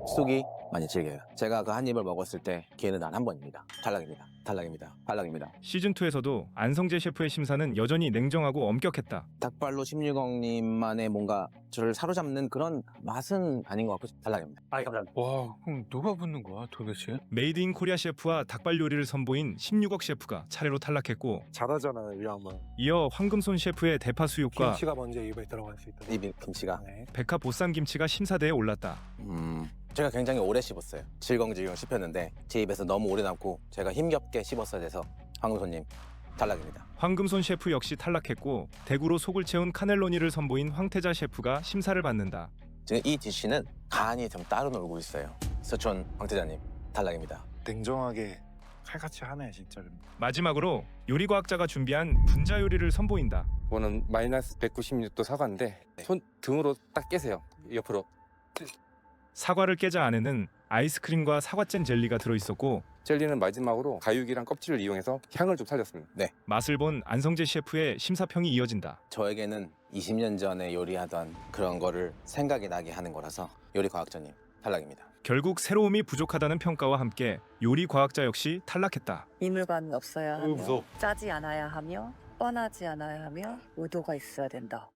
쑥이 많이 질겨요. 제가 그 한 입을 먹었을 때 기회는 단 한 번입니다. 탈락입니다. 탈락입니다. 탈락입니다. 시즌2에서도 안성재 셰프의 심사는 여전히 냉정하고 엄격했다. 닭발로 16억님만의 뭔가 저를 사로잡는 그런 맛은 아닌 것 같고 탈락입니다. 아, 감사합니다. 와, 그럼 누가 붙는 거야 도대체? 메이드 인 코리아 셰프와 닭발 요리를 선보인 16억 셰프가 차례로 탈락했고, 잘하잖아요, 이 양반. 이어 황금손 셰프의 대파 수육과 김치가 먼저 입에 들어갈 수 있다. 이 김치가 네. 백합 보쌈 김치가 심사대에 올랐다. 제가 굉장히 오래 씹었어요. 질겅질겅 씹혔는데 제 입에서 너무 오래 남고 제가 힘겹게 씹었어야 돼서 황금손님 탈락입니다. 황금손 셰프 역시 탈락했고, 대구로 속을 채운 카넬로니를 선보인 황태자 셰프가 심사를 받는다. 지금 이 디쉬는 간이 좀 따로 놀고 있어요. 서촌 황태자님 탈락입니다. 냉정하게 칼같이 하네, 진짜. 마지막으로 요리과학자가 준비한 분자 요리를 선보인다. 이거는 마이너스 196도 사과인데 손 등으로 딱 깨세요. 옆으로. 사과를 깨자 안에는 아이스크림과 사과잼 젤리가 들어있었고, 젤리는 마지막으로 가육이랑 껍질을 이용해서 향을 좀 살렸습니다. 맛을 본 안성재 셰프의 심사평이 이어진다. 저에게는 20년 전에 요리하던 그런 거를 생각이 나게 하는 거라서 요리과학자님 탈락입니다. 결국 새로움이 부족하다는 평가와 함께 요리과학자 역시 탈락했다. 이물감이 없어야 하며 무서워. 짜지 않아야 하며 뻔하지 않아야 하며 의도가 있어야 된다.